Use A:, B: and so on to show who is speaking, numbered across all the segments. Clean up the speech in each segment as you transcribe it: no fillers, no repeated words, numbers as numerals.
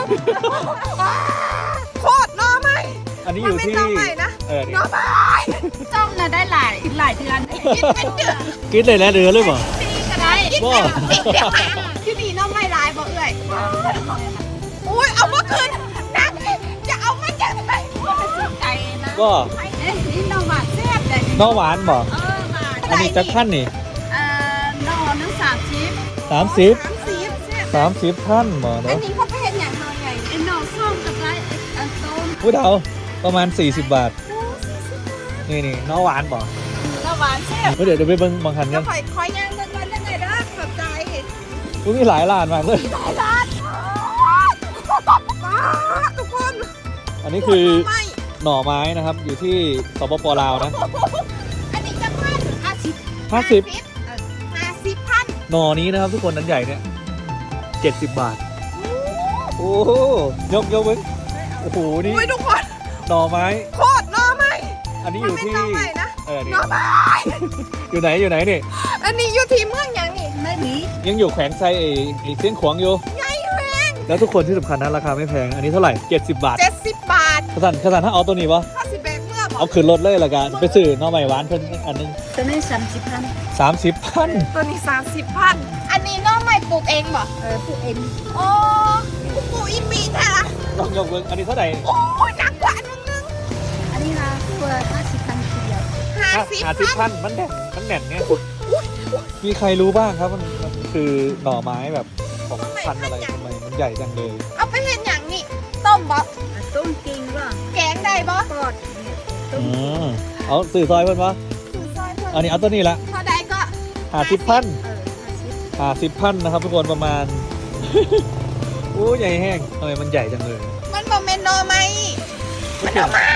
A: โคตรน้อไหม
B: อันนี้อยู่ที่
A: น้อไหมนะน้อไหม
C: จ้องนะได้หลายเดือน
A: กินเป็นเดือน
B: กินเลยแล้วเรือเลยบ่
C: ปีก็ได้
A: กินเป็นปีเดียวที่นี่น้อไหมลายบ่เอ่ยอุ้ยเอาเมื่อคืนนักจะเอามาจากไหน
C: ใจนะ
B: ก็
C: นี่นหวานแซ่บเลย
B: น้อหวานบ่
C: หวาน
B: อันนี้จักพันนี่
C: นอนึง30
B: 30ท่านบ่
A: อัน
B: เนาะ
A: นี้เขาไปเห็นอย่างไรไง
C: ไอ้นอส้มกับไรต้ม
B: ผู้เฒ่าประมาณ40 บาทนี่น้อหวานบ่
C: นอหวานแซ่บ
B: เดี๋ยวไปเบิ่งบางคัน
A: จะ
B: กัน
A: คอยย่างเงินวันยังไงนะขอบใจ
B: มีหลายร้านมากเลย
A: หลายร้านทุกคน
B: อันนี้คือ
A: ไม่
B: หน่อไม้นะครับอยู่ที่สปปลาวนะ
A: อันนี้จะพัน50
B: 50
A: พัน
B: หน่อนี้นะครับทุกคนนั้นใหญ่เนี่ย70 บาท โอ้โหยกเว้ยโอ้โหนี่
A: อุ้ยทุกคน
B: หน่อไม้
A: โคตรน้อไหม
B: อันนี้อยู่ที่
A: น้อไหมนะ
B: นี่
A: น้อไหม
B: อยู่ไหนนี่
A: อันนี้อยู่ที่เมืองยังนี่
C: ไม่มี
B: ยังอยู่แขวงไซไอ้เส้นขวางอยู่
A: ไงแพง
B: แล้วทุกคนที่สำคัญนะราคาไม่แพงอันนี้เท่าไหร่70 บาท
A: 70 บาท
B: ขสันถ้าเอาตัวนี้ปะ
A: 50แบกเมื่อบอก
B: เอาขึ้นรถเลยละกันไปซื้อหน่อไม้หวานเพิ่นอันนึง
C: ตัวนี้30,000
B: 30 พัน
A: ตัวนี้30 พันอันนี้น้องใหม่ปลูกเองบ่
C: พวกเอ็ม
A: โอ้ปลูกอินมีแท้ละ
B: ลองยกเบิ้งอันนี้เท่าไหร่
A: โอ้ยหนักกว่าอันนึง
C: อันนี้นะตัว50,000ทีเดียว
A: 50 พัน
B: มันแน่นไงมีใครรู้บ้างครับมันคือหน่อไม้แบบของพันธุ์อะไรทำไมมันใหญ่จังเลย
A: เอาไปเห็นอย่างนี้ต้มบ่
C: ต้มกินว่า
A: แกงได้บ่
C: ปอดต้ม
B: เอาสื่อซอยเพิ่นวะ
A: คือซอยเพิ่
B: อันนี้เอาตัวนี้ละ
A: พอได้ก็
B: 50 พัน
C: 50
B: 50 พันนะครับทุกคนประมาณ โอ้ใหญ่แห้งทำไมมันใหญ่จังเลย
A: มันบ่แม่นหน่อไม้
B: มันหน่อไม้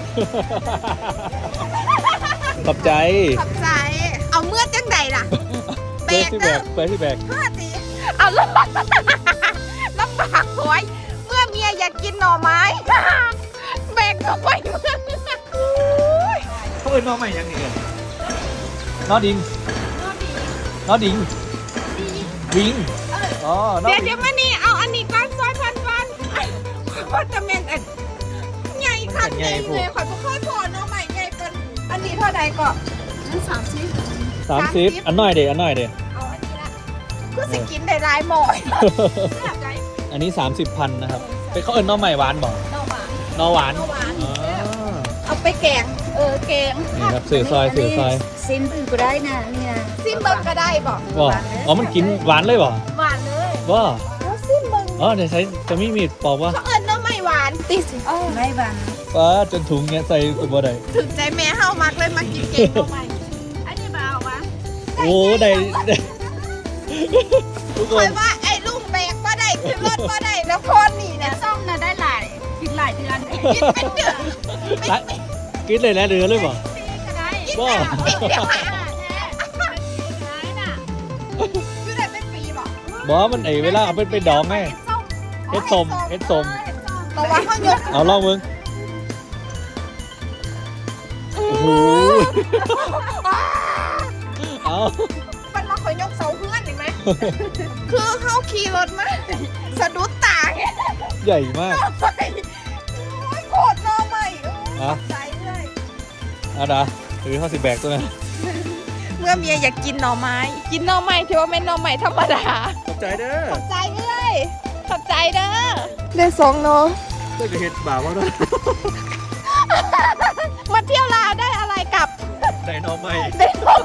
B: ขอบใจ
A: ขอบใจ เอาเมื่อจังใดล่ะ
B: เปิดที่แบกเปิดที่แบก
A: เมื่อตีเอาลำบากหวยเมื่อเมียอยากกินหน่อไม้ แบกเข้าไปเมื่อ
B: เขาเอิ้นหน่อไม้ยังไงน้อดิงน้อดิงวิงอ๋อน้อ
A: เดี๋ยว
B: ดิ
A: เดี๋ย
B: ง
A: วมานี่เอาอันนี้ก้อนซอยพันว่าจะแม่นอันใหญ่คันใหญ่เลยขอยบ่เคยพอหน่อไม้ใหญ่เกินอันนี้เท่าใดก็
C: นั้น30
B: 30อันน้อยเด้อันน้อยเด้
A: เอาอันนี้ละคือสิกินได้หลายหม้อ
B: อันนี้ 30 พันนะครับเป็นเขาเอิ้นหน่อไม้หวานบ่
C: นอหวาน
B: หน่อหวาน
A: หน่อหวาน
B: อ๋อ
A: เอาไปแกงแกง
B: นี่ครับสื่อซอย
C: ซิมอื่นก็ได้นะนี่นะ
A: ซิมเบิงก็ได้บอก
B: บ่อ๋อมันกินหวานเลยบ่
A: หวานเลย
B: บ่
A: แล้วซิมเบิง
B: อ๋อเดี๋ยวใช้จะมีมีดปอกวะ
A: เขาเอิญน้ำไม่หวานติสิ
C: ไม่บาน
B: ป้าจนถุงเนี้ยใส่ตัวบ่ได้
A: ถึงใจแม่เฮามากเลยมากินเก่งน้ำไม่
C: อันนี้บ่าวะ
B: โอ้ได้ทุกค
A: คอน ยว่าไอ้ลุงแบกก็ได้ขึ้นรถก็ได้แล้วคนนี่
C: แต่
A: นะ
C: ส้มนะได้หลายกินหลายเดือน
A: กินเป็นเดือน
B: กินเลยแล้วเรือเลยบ่
C: ก็ได้
A: กินแบบปีเดียว
C: แท้ได้น่ะ
A: อยู่ได้เป็นปีบอก
B: บ่มันไอ้เวลาเอาไปดองไงเฮ็ดส้ม
A: แต่ว่าเขายก
B: เอาลองมึงโอ้โหเอา
A: มันมาคอยยกเสาเพื่อนเห็นไหมคือเขาขี่รถมาสะดุดตาไง
B: ใหญ่มาก
A: ไปโอ้ยโคตรน้อใหม่ใจเลย
B: เอาดาถือข้าวสิแบกตัวนั้น
A: เมื่อเมียอยากกินหน่อไม้กินหน่อไม้ที่ว่าเป็นหน่อไม้ธรรมดา
B: ขอบใจเด้อ
A: ขอบใจเลยขอบใจเด้อได้สองเนาะ
B: ได้ไปเฮ็ดบ่าวว่าด้วย
A: มาเที่ยวลาวได้อะไรกลับ
B: ได้หน่อไม้
A: ได้หน่อ